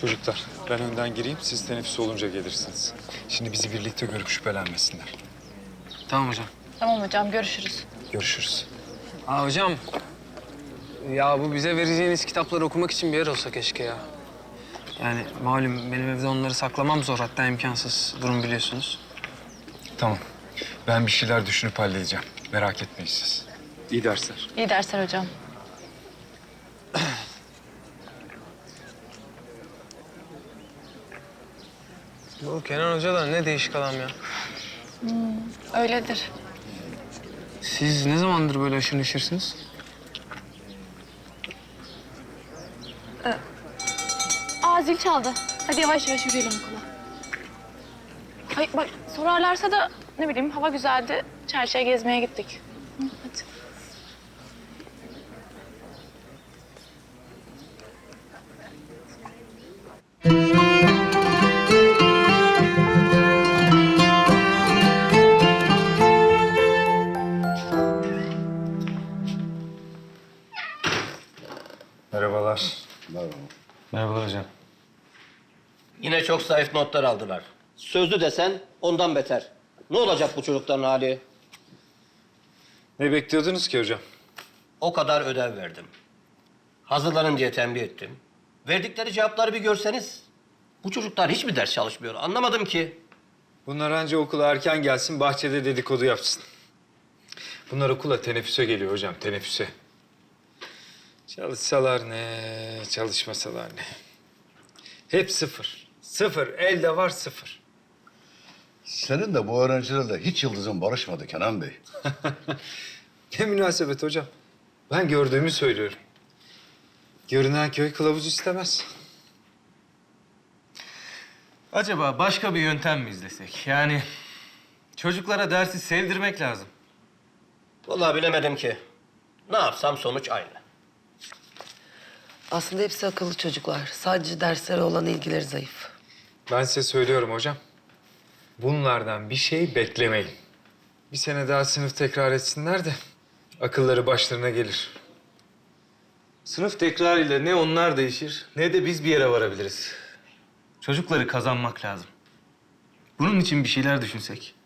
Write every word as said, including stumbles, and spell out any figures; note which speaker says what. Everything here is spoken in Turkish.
Speaker 1: Çocuklar, ben önden gireyim, siz teneffüs olunca gelirsiniz. Şimdi bizi birlikte görüp şüphelenmesinler.
Speaker 2: Tamam hocam.
Speaker 3: Tamam hocam, görüşürüz.
Speaker 1: Görüşürüz.
Speaker 2: Aa hocam. Ya bu bize vereceğiniz kitapları okumak için bir yer olsa keşke ya. Yani malum benim evde onları saklamam zor, hatta imkansız durum biliyorsunuz.
Speaker 1: Tamam, ben bir şeyler düşünüp halledeceğim. Merak etmeyin siz. İyi dersler.
Speaker 3: İyi dersler hocam.
Speaker 2: Bu Kenan Hoca da ne değişik adam ya.
Speaker 3: Öyledir.
Speaker 2: Siz ne zamandır böyle aşırı neşirsiniz?
Speaker 3: Aa, zil çaldı. Hadi yavaş yavaş yürüyelim okula. Hayır bak, sorarlarsa da ne bileyim, hava güzeldi. Çarşıya gezmeye gittik. Hı, hadi.
Speaker 1: Merhabalar.
Speaker 2: Merhabalar hocam.
Speaker 4: Yine çok zayıf notlar aldılar. Sözlü desen ondan beter. Ne olacak bu çocukların hali?
Speaker 1: Ne bekliyordunuz ki hocam?
Speaker 4: O kadar ödev verdim. Hazırlanın diye tembih ettim. Verdikleri cevapları bir görseniz. Bu çocuklar hiç mi ders çalışmıyor? Anlamadım ki.
Speaker 1: Bunlar anca okula erken gelsin, bahçede dedikodu yapsın. Bunlar okula teneffüse geliyor hocam, teneffüse. Çalışsalar ne, çalışmasalar ne. Hep sıfır. Sıfır, elde var sıfır.
Speaker 5: Senin de bu öğrencilerle hiç yıldızın barışmadı Kenan Bey.
Speaker 1: Ne münasebet hocam. Ben gördüğümü söylüyorum. Görünen köy kılavuz istemez.
Speaker 6: Acaba başka bir yöntem mi izlesek? Yani çocuklara dersi sevdirmek lazım.
Speaker 4: Vallahi bilemedim ki. Ne yapsam sonuç aynı.
Speaker 7: Aslında hepsi akıllı çocuklar. Sadece derslere olan ilgileri zayıf.
Speaker 1: Ben size söylüyorum hocam. Bunlardan bir şey beklemeyin. Bir sene daha sınıf tekrar etsinler de akılları başlarına gelir.
Speaker 6: Sınıf tekrarıyla ne onlar değişir ne de biz bir yere varabiliriz. Çocukları kazanmak lazım. Bunun için bir şeyler düşünsek.